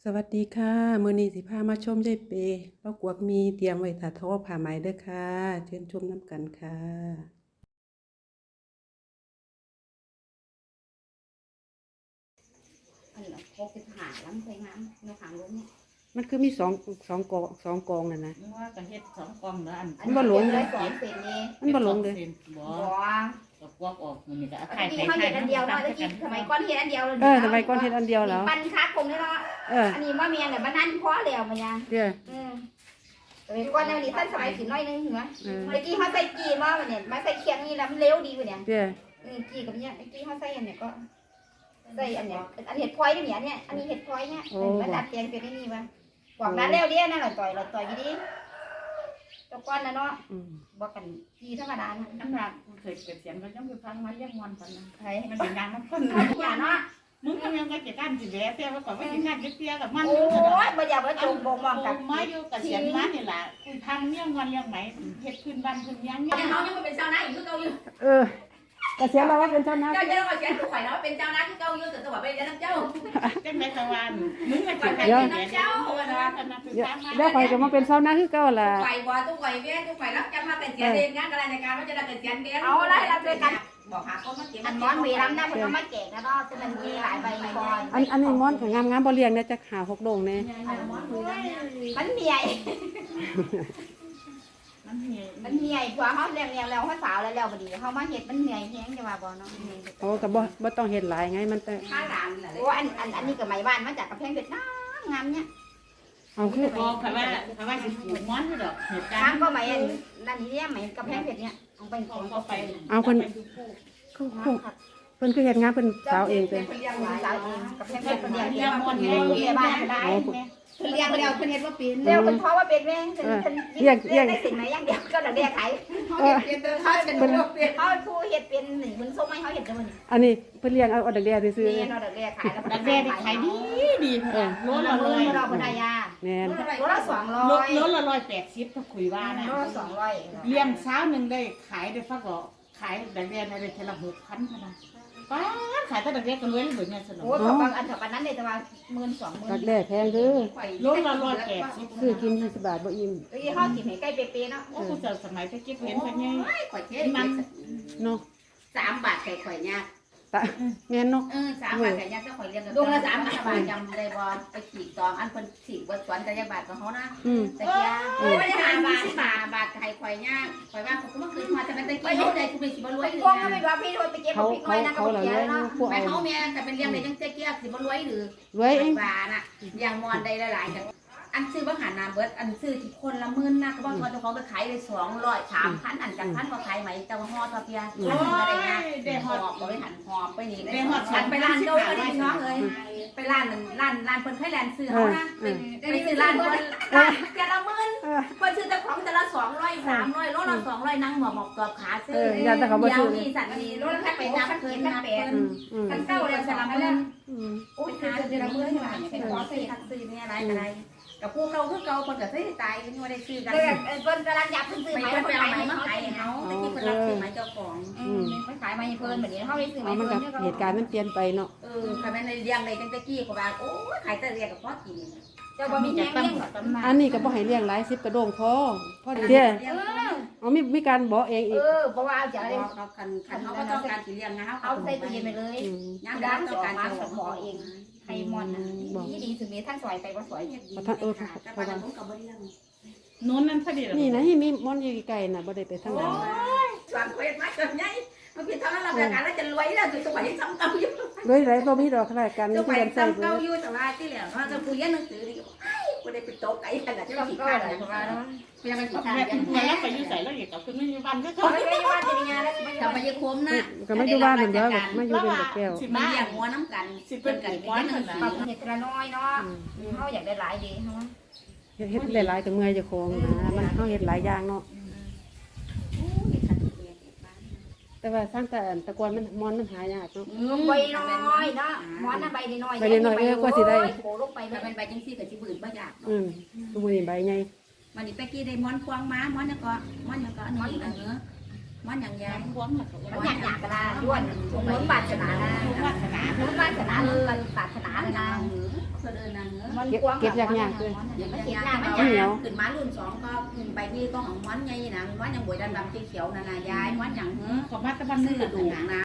สวัสดีค่ะมื้อนี้สิพามาชมยายเปเรากวกมีเตรียมไว้ถ้าทอผ้าไหมเด้อค่ะเชิญชมน้ำกันค่ะอันละ65ลำไปงามในขางลงเนี่ยมันคือมีสองกองนั่นนะว่าก็เฮ็ดสองกล่องแล้วอันมันบ่หลงเลยสอนเป็นนี่มันบ่ลงเลยบ่บ่ก็กวกออกมันนี่ก็ตะถ่ายกี้เขาเห็นอันเดียวเนาะตะกี้สมัยก่อนเห็นอันเดียวทำไมก้อนเฮ็ดอันเดียวแล้วปันคักคงเนาะเอออันนี้ว่าเมียเนี่ยมันนั่นพอแล้วมันยังเดี๋ยวสมัยก่อนเนี่ยนี่ท่านสมัยสิน้อยนึงเหรอตะกี้เขาใส่กีมาเนี่ยมาใส่เคียงนี่แล้วมันเร็วดีกว่าเนี่ยเดี๋ยวกีกับเนี่ยตะกี้เขาใส่อันเนี่ยก็ใส่อันเนี่ยอันเห็ดพลอยนี่เนี่ยอันนี้เห็ดพลอยเนี่ยมันดัดแปลงเป็นนี่วะกว่านั้นแล้วเดียวนั่นเราต่อยกี่ดีตะก้อนนะเนาะบอกกันกีธรรมดานะน้ำหนักเคยเกิดเสียงก็ยังไปฟังมาเรียกมอนกันนะใช่มันเป็นงานน้ำข้นอย่าเนาะมึงก็ยังก็จะก้านสิแหวแต่ว่าก่อนว่าสิก้านเตี้ยกับมันโอ้ยบ่อยากว่าจงบ่มองกับมาอยู่กับเสียงมานี่ล่ะคุยทางเลี้ยงวันเลี้ยงไหมเฮ็ดพื้นบ้านพื้นยังเนี่ยน้องยังเป็นเจ้าหน้าอยู่คือเก่าอยู่กระเสียเราว่าเป็นเจ้าหน้าเจ้าเจ้าว่าเสียถูกข่อยแล้วเป็นเจ้าหน้าคือเก่าอยู่แต่ตัวเป็นเจ้าน้ำเจ้าจังได๋ตะวันมึงก็ข่อยจะเป็นให้เจ้าเดี๋ยวเจ้าคณะคือตามมาเดี๋ยวข่อยก็มาเป็นเจ้าหน้าคือเก่าล่ะข่อยบ่ตู้ข่อยเบี้ยตู้ข่อยรับจ้างมาเป็นเสียเองงานราชการว่าจะได้เป็นเสียเบี้ยบอกหาคนมาเก็บอันม้อนมีน้ำนะเพิ่นเอามาแจกนะเนาะจะมันมีหลายใบก่อนอันนี้ม้อนก็งามๆบ่เลี้ยงเนี่ยจักหา6โดงแน่มันเหนื่อยมันเหี่ยมันเหนื่อยกว่าเฮาเลี้ยงแล้วเฮาสาวแล้วบ่ดีเฮามาเฮ็ดมันเหนื่อยแฮงจะว่าบ่เนาะโอ้ก็บ่ต้องเฮ็ดหลายไงมันแต่ข้าหลานน่ะโอ้อันนี้ก็ไม้บ้านมาจากกำแพงเพชรงามเนี่ยเอาคือบอกค่ะว่าสิปลูกม้อนคือดอกเหตุกาทาร งณ์ก็ไม้นั่นนี่เนี่ยไม้กำแพงเพชรเนี่ยเอาไปเขาก็ไปเอาเพิ่นคือเฮ็ดงานเพิ่นสาวเองเด้เลี้ยงสาวเองกำแพงเพชรเลี้ยงเลี้ยงม้อนเลี้ยงบ้านได้เลี้ยงแล้วเพิ่นเฮ็ดว่าเป็นเร็วเป็นเพราะว่าเป็นแม่เรียกได้สิ่งไหนอย่างเดียวก็เรียกขายเขาเฮ็ดเป็นเขาเป็นลูกเป็นเขาผู้เฮ็ดเป็นหนึ่งมันส้มให้เขาเฮ็ดจังมันอันนี้เพิ่นเลี้ยงเอาดักแด้ซื่อเรียนเราเรียกขายแล้วดักแด้ที่ขายดีดีค่ะโลละเราร้อยเราคนใดยาๆแม่นโลละ200 โลละ180ถ้าคุยว่านะโลละ200 เลี้ยงเช้าหนึ่งได้ขายได้ฟักก็ขายดักแด้ได้เทละ6,000ค่ะนะป้าขายแต่ดักแด้ก็รวยเลยเนี่ยสนุกโอ้ยบางอันกับอันนั้นเลยแต่ว่า12,000 ดักแด้แพงเด้อโลละ180 ซื้อกิน20 บาทบ่อิ่มตะกี้เฮากินให้ใกล้เป๊ะๆเนาะโอ้กูจะสมัยไปเก็บเห็นไปไงข่อยเฮ็ดมันเนาะ 3 บาทข่อยเนี่ยตะแม่นเนาะ 3 บาทข่อยเนี่ยเจ้าข่อยเลี้ยงดวงละ3 บาทจำได้บ่ไปขีดตองอันเพิ่นขีดบ่สวนแต่ยังบาทก็เฮานะ ตะเกียโอ้ย5 บาทบาทไข่ข่อยย่างข่อยว่าผมก็มาคืนมาแต่เป็นตะกี้เขาได้กูเป็นสิบ่รวยหรือพวกก็ไม่ว่าพี่โทษไปเก็บพริกไว้นะกับเกียเนาะพวกไปเอาเขาแม่แต่เป็นเลี้ยงได้จังเจ๊เกี้ยสิบ่รวยหรือไว้เองบาน่ะอย่างมอนได้หลายๆจังอันซื้อบ่หันน้ำเบิดอันซื้อที่คนละ10,000นะก็บ่พอเจ้าของไปขายได้200 3,000อันจากพันก็ขายไหมเจ้าฮอทอเปียอันก็ได้นะได้ฮอดบ่ไปหันหอบไปนี่ได้ฮอดฉันไปร้านโดก็ได้น้องเอ้ยไปร้านร้านเพิ่นไทยแลนด์ซื้อเฮานะไปซื้อร้านเพิ่นเจ้าละ10,000 เพิ่นซื้อแต่ของแต่ละ200 300โลละ200นั่งหมอบกรอบขาซื้อเดี๋ยวนี่สัตว์นี่โลละแค่ไปนับเพิ่นนับเพิ่นคันเก้าเลยสลับมื้อโอ้ยหาเดือนละมื้อนี่ล่ะเป็นขอซื้อทักซื้อนี่อะไรกับพวกเราคือเก่าเพิ่นก็ซื้อตายนี่บ่ได้ซื้อกันเพิ่นกำลังอยากซื้อไปไหมเพิ่นไปเพิ่นเอาขายไหมไหมมาขายให้เฮาตะกี้เพิ่นรับซื้อไหมเจ้าของไม่ขายไหมเพิ่นแบบนี้เขาได้ซื้อไหมเอามันเพิ่กับนเหตุการณ์มันเปลี่ยนไปเนาะคันแม่นเลี้ยงได้จังตะกี้ก็ว่าโอ้ยขายแต่เรียกกับพ่อกินเจ้าบ่มีแห้งเลี้ยงอันนี้ก็บ่ให้เลี้ยงหลาย10กระโดงพอเด้อเอามีการบ่เองอีกเพราะว่าเอาจากอะไรเขาคันเขาก็ต้องการสิเลี้ยงนะเอาใส่ตู้เย็นไปเลยย่างร้าร้าน นสต้ออง งการมาจะสมอเองไฮมอนดีถึงมีท่านสวยไปว่าสวยแต่ปานนั้นผมก็บ่เลี้ยงนู้นนั่นพอดีแล้วนี่นะมีม่อนอยู่ไกลน่ะบ่ได้ไปทางนั้นสอนเฮ็ดมาจนใหญ่มันพี่เท่านั้นเราประกาศแล้วจะรวยแล้วสวยซ้ำเก่าอยู่เลยไหลบ่มีดอกขนาดกันสมีวยเงินใส่ซ้ำเบิเก่าดอยู่แต่ว่าที่แล้วเราจะคุยหนังสือดิกูได้ไปโต๊ะไก่ขนาดที่ก็เราขี้ก็ข้าวอะไรนะประมาณนั้นเพียงมันขี้แม่ข้าวเป็นเพื่อนแล้วไปอยู่ใส่แล้วอย่ากับคุณไม่มีวันก็เขาเขาไม่ได้ว่าจะมีงานแล้วไม่กลับมาเยอะคุ้มนะก็มาอยู่บ้านเหมือนเดิมมาอยู่เป็นแบบแก้วมาเลี้ยงงัวน้ำกันเป็นกันเป็นหนังสืปรับอเห็ดกระน้อยเนาะเขาอยากได้หลายดีเนาะเฮ็ดหลายๆก็เมื่อยเจ้าของนะมันเฮาเฮ็ดหลายอย่างเนาะแต่ว่าสร้างแต่ตะกอนมันมอนมันหายากเนาะใบน้อยเนาะม้อนใบน้อยโผล่ลงไปถ้าเป็นใบจังซี่กับสิบืนบ่อยากทุกมื้อนี้ใบใหญ่มันนี่ตะกี้ได้ม้อนควงม้าม้อนยังก็ม้อนยังก็ม้อนอย่างเนื้อม้อนอย่างยายหวงหลักมันอยากอยากกระดาด้วนล้นบาดชนะนะวาสนาล้นบาดชนะล้นบาดชนะเลยนะคพิ่นเอิ้นนั่นเนอะมันกว้างเก็บยากๆเลยเดี๋ยวมัมัน นเก็บยากหน้ามันเอาเหนียวขึ้นมารุ่น2ก็ไปที่ก็ของมันใหญ่น่ะมันยังบวยดำๆเขียวๆนั่นน่ะยายมันหยังขอมาตะบันซื้นี่อกระดูกนะ